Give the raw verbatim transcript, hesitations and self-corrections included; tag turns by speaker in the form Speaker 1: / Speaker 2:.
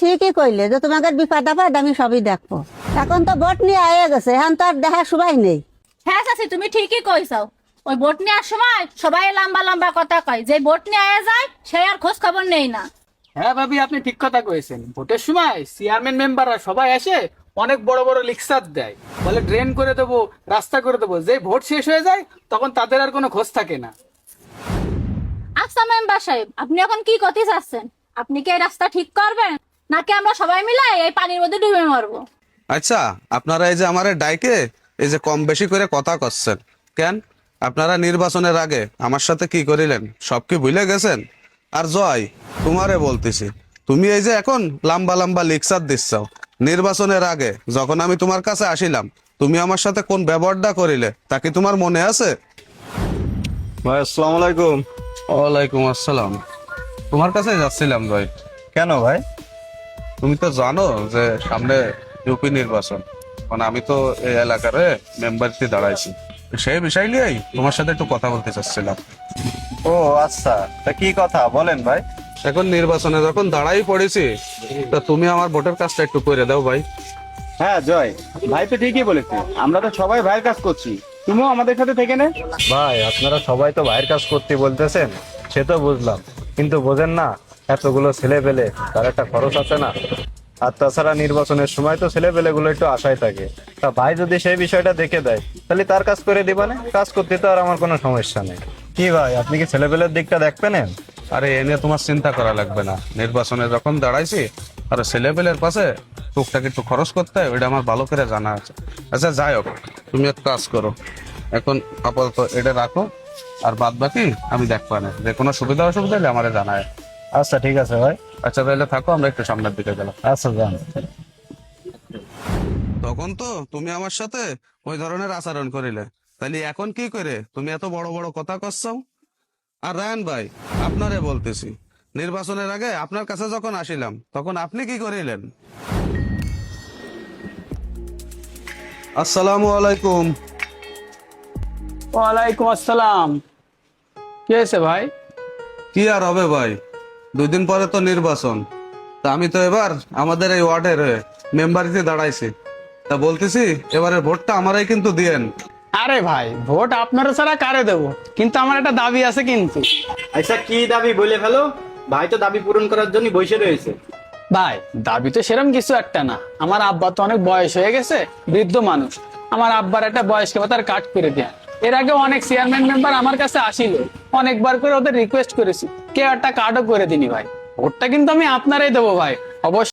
Speaker 1: ঠিকই কইলে যে তোমাকে বিপদ আপদ আমি সবই দেখবো। এখন তো ভোট নিয়ে আয়ে গেছে, এখন তো আর দেখার সময় নেই।
Speaker 2: হ্যাঁ চাচি, তুমি ঠিকই কইছাও। ওই ভোট নেওয়ার সময় সবাই লম্বা লম্বা কথা কয়, যে ভোট নিয়ে আয়া যায় সে আর খোঁজ খবর নেই না।
Speaker 3: হ্যাঁ ভাবি, আপনি ঠিক কথা কয়েছেন। ভোটের সময় চেয়ারম্যান মেম্বাররা সবাই আসে অনেক বড় বড় লিকসার দেয়, বলে ড্রেন করে দেবো, রাস্তা করে দেবো। যে ভোট শেষ হয়ে যায় তখন তাদের আর কোনো খোঁজ থাকে না।
Speaker 2: আচ্ছা মেম্বার সাহেব, আপনি এখন কি করতে চাচ্ছেন? আপনি কি এই রাস্তা ঠিক করবেন, নাকি আমরা সবাই মিলে এই পানির মধ্যে ডুবে মরবো?
Speaker 4: আচ্ছা, আপনারা এই যে আমারে ডাইকে এই যে কম বেশি করে কথা করছেন কেন? আপনারা নির্বাচনের আগে আমার সাথে কি করিলেন সব কি ভুলে গেছেন? আর জয়, তোমারে বলতেছি, তুমি এই যে এখন লম্বা লম্বা লেকচার দিচ্ছ, নির্বাচনের আগে যখন আমি তোমার কাছে আসিলাম তুমি আমার সাথে কোন ব্যবহারটা করিলে তা কি তোমার মনে আছে?
Speaker 5: ভাই আসসালামু আলাইকুম।
Speaker 4: ওয়ালাইকুম আসসালাম। তোমার কাছে যাচ্ছিলাম ভাই।
Speaker 5: কেন ভাই?
Speaker 4: তুমি তো জানো যে সামনে ইউপি নির্বাচন, মানে আমি তো এই এলাকার মেম্বারতে দাঁড়াইছি, সেই বিষয় নিয়েই তোমার সাথে একটু কথা বলতে চাচ্ছিলাম।
Speaker 5: ও আচ্ছা, তা কি কথা বলেন ভাই।
Speaker 4: এখন নির্বাচনে যখন দাঁড়াই পড়েছি, তা তুমি আমার ভোটের কাজটা একটু করে দাও ভাই।
Speaker 6: হ্যাঁ জয়, ভাই তো ঠিকই বলেছে, আমরা তো সবাই ভাইয়ের কাজ করছি, তুমিও আমাদের সাথে থেকে নে।
Speaker 5: ভাই আপনারা সবাই তো ভাইয়ের কাজ করতে বলতেছেন, সে তো বুঝলাম, কিন্তু বোঝেন না এতগুলো ছেলে পেলে তার একটা খরচ আছে না। আর তাছাড়া নির্বাচনের সময় তো ছেলে পেলে গুলো একটু আশায় থাকে। তা ভাই যদি সেই বিষয়টা দেখে দেয় তাহলে তার কাজ করে দিবানে, কাজ করতে তো আর আমার কোনো সমস্যা নেই। কি ভাই, আপনি কি ছেলে পেলের দিকটা দেখবেন?
Speaker 4: আরে এ নিয়ে তোমার চিন্তা করা লাগবে না, নির্বাচনে যখন দাঁড়াইছি আর ছেলেপেলের পাশে টুকটাক একটু খরচ করতে হয়, ওইটা আমার ভালো করে জানা আছে। আচ্ছা যাই হোক, তুমি এক কাজ করো, এখন আপাতত এটা রাখো, আর বাদ বাকি আমি দেখবো না, যে কোনো সুবিধা অসুবিধা হলে আমার জানায়।
Speaker 5: আচ্ছা ঠিক আছে ভাই।
Speaker 4: আচ্ছা তাহলে থাকো, আমরা একটু সামনের দিকে গেলাম।
Speaker 5: আচ্ছা যান।
Speaker 4: তখন তো তুমি আমার সাথে ওই ধরনের আচরণ করিলে, তাহলে এখন কি করে তুমি এত বড় বড় কথা করছো? আর রায়ন ভাই, আপনারে বলতেছি, নির্বাচনের আগে আপনার কাছে যখন আসিলাম তখন আপনি কি করিলেন? আসসালামু আলাইকুম।
Speaker 3: ওয়ালাইকুম আসসালাম। কি হয়েছে ভাই?
Speaker 4: কি আর হবে ভাই, দুই দিন পরে তো নির্বাচন, তা আমি তো এবার আমাদের এই ওয়ার্ডের মেম্বারিতে দাঁড়াইছি, তা বলতেছি এবারে ভোটটা আমারই কিন্তু দিয়েন।
Speaker 3: আরে ভাই, ভোট আপনারা ছাড়া কারে দেবো, কিন্তু আমার একটা দাবি আছে কিন্তু।
Speaker 6: আচ্ছা কি দাবি বলে ফেলো, ভাই তো দাবি পূরণ করার জন্য বসে রয়েছে।
Speaker 3: ভাই দাবি তো সেরকম কিছু একটা না, আমার আব্বা তো অনেক বয়স হয়ে গেছে, বৃদ্ধ মানুষ, আমার আব্বার একটা বয়স্ক ভাতার কার্ড করে দেয়া। এর আগে অনেক চেয়ারম্যান মেম্বার আমার কাছে আসিল, অনেকবার করে ওদের রিকোয়েস্ট করেছি, কেউ একটা কার্ডও করে দিনি ভাই। ভোটটা কিন্তু আমি আপনারাই দেবো ভাই, অবশ্যই।